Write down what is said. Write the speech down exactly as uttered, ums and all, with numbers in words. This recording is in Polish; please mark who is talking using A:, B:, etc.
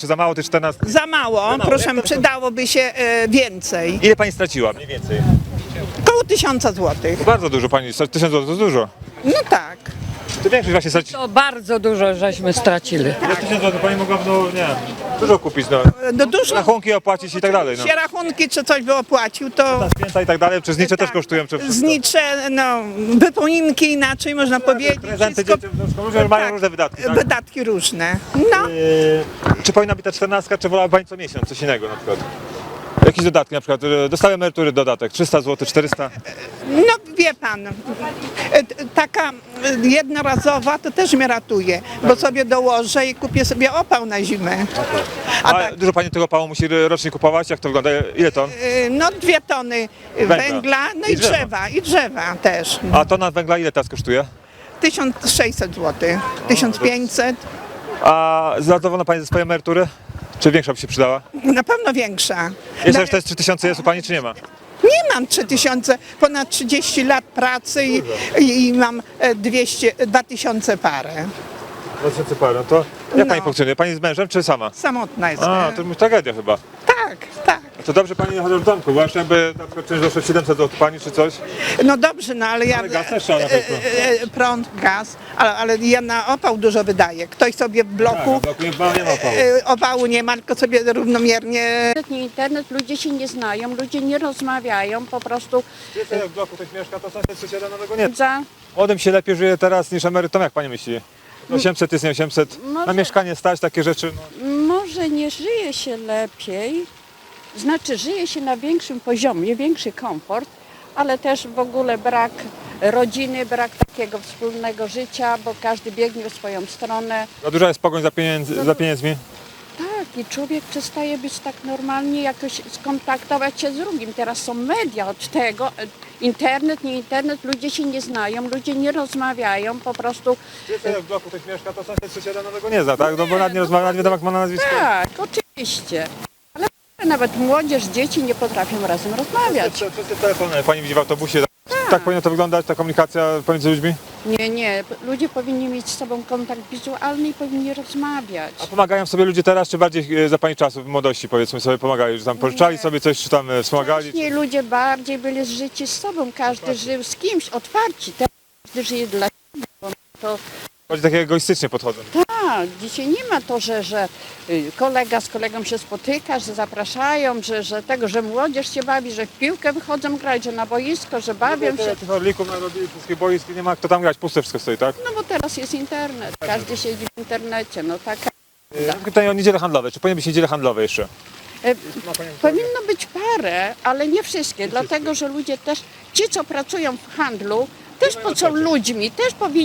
A: czy za mało tych czternastek?
B: Za mało,
A: mało,
B: proszę,
A: jak to-
B: przydałoby się e, więcej.
A: Ile pani straciła mniej więcej?
B: Koło tysiąca złotych.
A: Bardzo dużo pani, tysiąc złotych to dużo.
B: No tak.
A: To większość właśnie straci.
C: To bardzo dużo żeśmy stracili.
A: Za tysiąc złotych pani mogła, no nie wiem, dużo kupić, no.
B: No dużo
A: Rachunki opłacić i tak dalej, no.
B: się rachunki, czy coś by opłacił, to
A: Na święta i tak dalej, przez znicze też
B: tak,
A: kosztują. Czy wszystko.
B: znicze, no, wypominki inaczej można powiedzieć.
A: Prezenty
B: Wszystko-
A: dzieciom, no, ludzie mają
B: tak,
A: różne wydatki, tak?
B: Wydatki różne. No,
A: Yy, czy powinna być ta czternastka, czy wolałaby pani co miesiąc, coś innego na przykład? Jakieś dodatki na przykład, yy, dostały emerytury dodatek, trzysta złotych, czterysta.
B: no wie pan, e, t- taka e, jednorazowa to też mnie ratuje, bo sobie dołożę i kupię sobie opał na zimę. A
A: A
B: tak,
A: dużo pani tego pału musi rocznie kupować? Jak to wygląda? Ile ton?
B: e, no dwie tony
A: Węgla.
B: węgla, no
A: I
B: i
A: drzewa.
B: drzewa, i drzewa też.
A: A tona węgla ile teraz kosztuje?
B: tysiąc sześćset złotych, tysiąc pięćset,
A: A zadowolona pani ze swojej emerytury? Czy większa by się przydała?
B: na pewno większa.
A: Jeszcze
B: Na-
A: też te trzy tysiące jest u pani, czy nie ma?
B: Nie mam trzy tysiące, ponad trzydzieści lat pracy i, i, i mam e, dwieście, dwa tysiące parę.
A: dwa tysiące parę, no to jak
B: No.
A: pani funkcjonuje? Pani z mężem, czy sama?
B: Samotna jestem.
A: A, to już tragedia chyba.
B: Tak, tak.
A: To dobrze pani chociaż w domku, bo jeszcze jakby na przykład czymś doszło siedemset złotych pani, czy coś?
B: No dobrze, no ale ja...
A: Ale gaz też trzeba na pewno.
B: e, e, Prąd, gaz, ale, ale ja na opał dużo wydaję. Ktoś sobie w bloku
A: Tak, nie ma, nie ma opału.
B: e, opału nie ma, tylko sobie równomiernie...
D: Internet, nie internet, ludzie się nie znają, ludzie nie rozmawiają, po prostu
A: Wiecie, jak w bloku ktoś mieszka, to sąsiad sąsiada nowego nie.
D: za...
A: Młodym się lepiej żyje teraz niż emerytom, jak pani myśli? osiemset jest nie osiemset, na
D: Może-
A: mieszkanie stać, takie rzeczy. No.
D: Może nie żyje się lepiej, znaczy żyje się na większym poziomie, większy komfort, ale też w ogóle brak rodziny, brak takiego wspólnego życia, bo każdy biegnie w swoją stronę.
A: Za duża jest pogoń za, pieniędzy, za pieniędzmi.
D: Tak, i człowiek przestaje być tak normalnie, jakoś skontaktować się z drugim. Teraz są media od tego, internet, nie internet, ludzie się nie znają, ludzie nie rozmawiają, po prostu
A: Wiecie, jak w bloku ktoś mieszka, to sąsiad sąsiada nowego nie zna, tak? No bo nawet nie rozmawia, nie wiadomo jak ma na nazwisko.
D: tak, oczywiście. Ale nawet młodzież, dzieci nie potrafią razem rozmawiać.
A: Wszyscy wszyscy telefony, pani widzi w autobusie. Tak. tak powinno to wyglądać, ta komunikacja pomiędzy ludźmi?
D: Nie, nie, ludzie powinni mieć z sobą kontakt wizualny i powinni rozmawiać.
A: A pomagają sobie ludzie teraz, czy bardziej e, za pani czasów, w młodości powiedzmy sobie pomagali, że tam pożyczali sobie coś, czy tam e, wspomagali?
D: Wcześniej ludzie bardziej byli zżyci z sobą, każdy żył z kimś, otwarci. Teraz każdy żyje dla siebie, bo to
A: Chodzi takie egoistycznie podchodzą.
D: tak, dzisiaj nie ma to, że, że y, kolega z kolegą się spotyka, że zapraszają, że, że tego, że młodzież się bawi, że w piłkę wychodzą grać, że na boisko, że bawią się.
A: Tych orlików narobili, wszystkie boisk, nie ma kto tam grać, puste wszystko stoi, tak?
D: No bo teraz jest internet, każdy siedzi w internecie, no taka.
A: Mam pytanie o niedziele handlowe, czy powinny być niedziele handlowe jeszcze?
D: E, powinno być parę, ale nie wszystkie, dlatego że ludzie też, ci co pracują w handlu, też po co ludźmi, też powinni